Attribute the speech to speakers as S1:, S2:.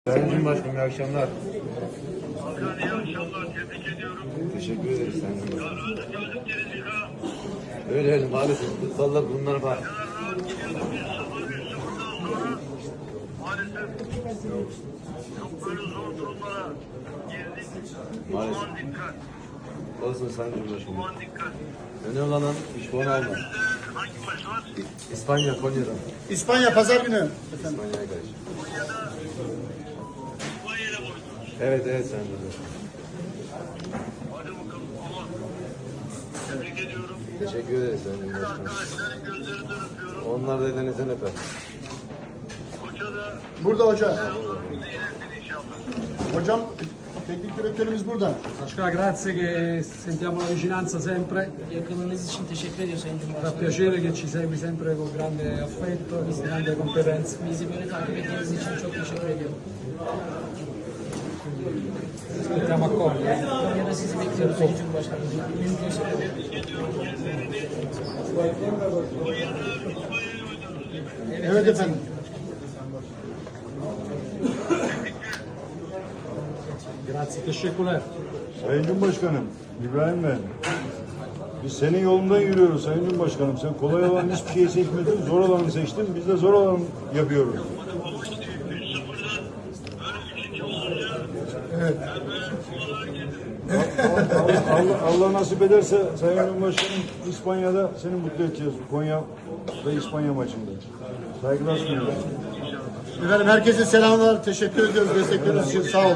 S1: Sayın Cumhurbaşkanım, iyi akşamlar.
S2: Hakan, iyi akşamlar. Tebrik ediyorum.
S1: Teşekkür ederiz Sayın Cumhurbaşkanım.
S2: Gördük gerizeka.
S1: Öyle maalesef kutsallar bunlar var.
S2: Kadar rahat gidiyorduk 1-0'dan sonra. Maalesef çok böyle zor durumlara girdik.
S1: Maalesef.
S2: Aman dikkat.
S1: Olsun Sayın Cumhurbaşkanım.
S2: Aman dikkat.
S1: Önemli olan 3 puan almak.
S2: Önümüzde hangi maç var?
S1: İspanya, Konya'dan.
S3: İspanya pazar günü.
S1: İspanya'ya karşı.
S2: Konya'da İspanya'yla mı oynuyoruz?
S1: Evet Sayın Cumhurbaşkanım.
S2: Hadi bakalım. Aman. Tebrik ediyorum.
S1: Teşekkür ederiz Sayın Cumhurbaşkanım.
S2: Arkadaşların gözlerinden öpüyorum.
S1: Onlar da elinizden öper.
S2: Hoca da
S3: Burada hoca.
S2: selamlarımızı iletin inşallah.
S3: Hocam teknik direktörümüz burada.
S4: Başkan, grazie che sentiamo la vicinanza sempre.
S5: Yakınınız için teşekkür ediyor Sayın
S4: Fa
S5: Cumhurbaşkanım.
S4: piacere che ci segui sempre con grande affetto, con grande competenza.
S5: Bizi böyle takip ettiğiniz için çok teşekkür ediyorum.
S4: Aspettiamo a Konya.
S5: Konya'da sizi bekliyoruz Sayın Cumhurbaşkanım. Mümkünse.
S3: Evet efendim.
S4: Grazie, teşekkürler.
S6: Sayın Cumhurbaşkanım, İbrahim ben. Biz senin yolundan yürüyoruz Sayın Cumhurbaşkanım. Sen kolay olan hiçbir şeyi seçmedin, zor olanı seçtin. Biz de zor olanı yapıyoruz. Allah nasip ederse Sayın Cumhurbaşkanım İspanya'da seni mutlu edeceğiz. Konya ve İspanya maçında. Saygılar sunuyorum.
S3: Efendim herkese selamlar. Teşekkür ediyoruz destekleriniz için. Sağ olun.